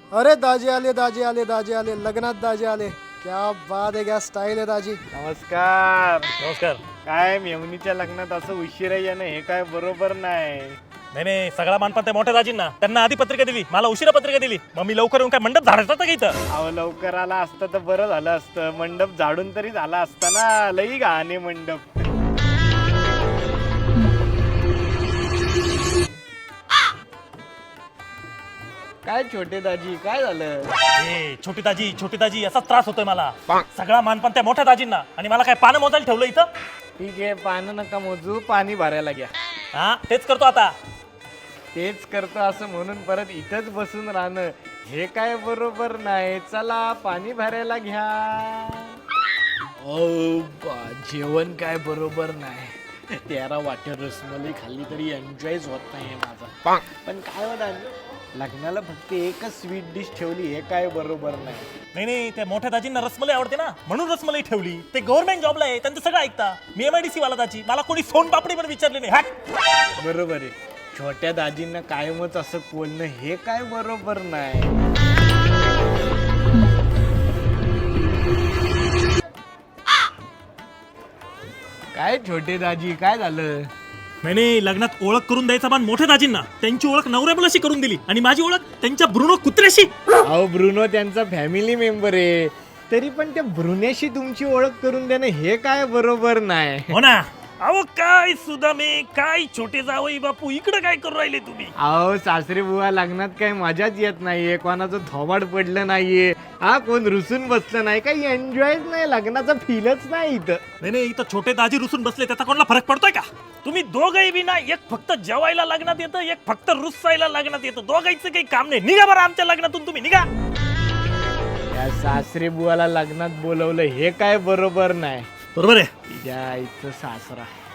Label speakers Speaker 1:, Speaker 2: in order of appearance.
Speaker 1: अरे दाजी आले दाजी आले दाजी आले लग्नात दाजी आले. क्या बात आहे, क्या स्टाईल आहे दाजी.
Speaker 2: नमस्कार.
Speaker 3: नमस्कार.
Speaker 2: काय मेवणीच्या लग्नात असं उशिरा येणं हे काय बरोबर नाही.
Speaker 3: नाही नाही, सगळा मानपान त्या मोठ्या दाजींना. त्यांना आधी पत्रिका दिली, मला उशिरा पत्रिका दिली. मग मी लवकर येऊन काय मंडप झाडायचा का इथं?
Speaker 2: अहो लवकर आला असतं तर बरं झालं असतं. मंडप झाडून तरी झाला असता ना. लई घाणे मंडप. काय छोटे दाजी काय झालं?
Speaker 3: ए छोटी दाजी असा त्रास होतोय मला. सगळा मानपान त्या मोठ्या दाजींना, आणि मला काय पानं मोजायला ठेवलं इथं?
Speaker 2: ठीक आहे, पानं नका मोजू, पाणी भरायला घ्या.
Speaker 3: हा तेच करतो आता.
Speaker 2: तेच करतो असं म्हणून परत इथंच बसून राहणं हे काय बरोबर नाही. चला पाणी भरायला घ्या.
Speaker 4: जेवण काय बरोबर नाही. 13 वाट्या रसमलाई खाल्ली तरी एन्जॉयच होत नाही माझा.
Speaker 2: पण काय होणार, लग्नाला फक्त एकच स्वीट डिश ठेवली हे काय बरोबर नाही.
Speaker 3: नाही नाही, त्या मोठ्या दाजींना रसमलाई आवडते ना, म्हणून रसमलाई ठेवली. ते गव्हर्नमेंट जॉबला आहे, त्यांचं सगळं ऐकता. मी MIDC वाला दाजी, मला कोणी सोनपापडी पण विचारले नाही. हॅट.
Speaker 2: बरोबर आहे, छोट्या दाजींना कायमच असं बोलणं हे काय बरोबर नाही. काय छोटे दाजी काय झालं?
Speaker 3: नाही नाही, लग्नात ओळख करून द्यायचा मान मोठ्या दाजींना. त्यांची ओळख नवऱ्या मुलाशी करून दिली, आणि माझी ओळख त्यांच्या ब्रुनो कुत्र्याशी.
Speaker 2: अहो ब्रुनो त्यांचा फॅमिली मेंबर आहे, तरी पण त्या ब्रुनेशी तुमची ओळख करून देणं हे काय बरोबर नाही.
Speaker 3: हो ना. अहो काय सुदामे, काय छोटे जावई बापू, इकडे काय करू राहिले तुम्ही?
Speaker 2: अहो सासरे बुवा लग्नात काही मजाच येत नाहीये, कोणाचं थोबाड पडलं नाहीये, हा कोण रुसून बसलं नाही, काही एन्जॉयच नाही, लग्नाचा फीलच नाही इथं.
Speaker 3: नाही नाही, इथं छोटे दाजी रुसून बसले, त्याचा कोणाला फरक पडतोय का? तुम्ही दोघही बी ना, एक फक्त जेवायला लग्नात येतं, एक फक्त रुसायला लग्नात येतं. दोघांचं काही काम नाही. निघा बरं आमच्या लग्नातून, तुम्ही निघा.
Speaker 2: या सासरे बुवाला लग्नात बोलवलं हे काय बरोबर नाही.
Speaker 3: बरोबर आहे.
Speaker 2: तिच्या आईचं सासरा.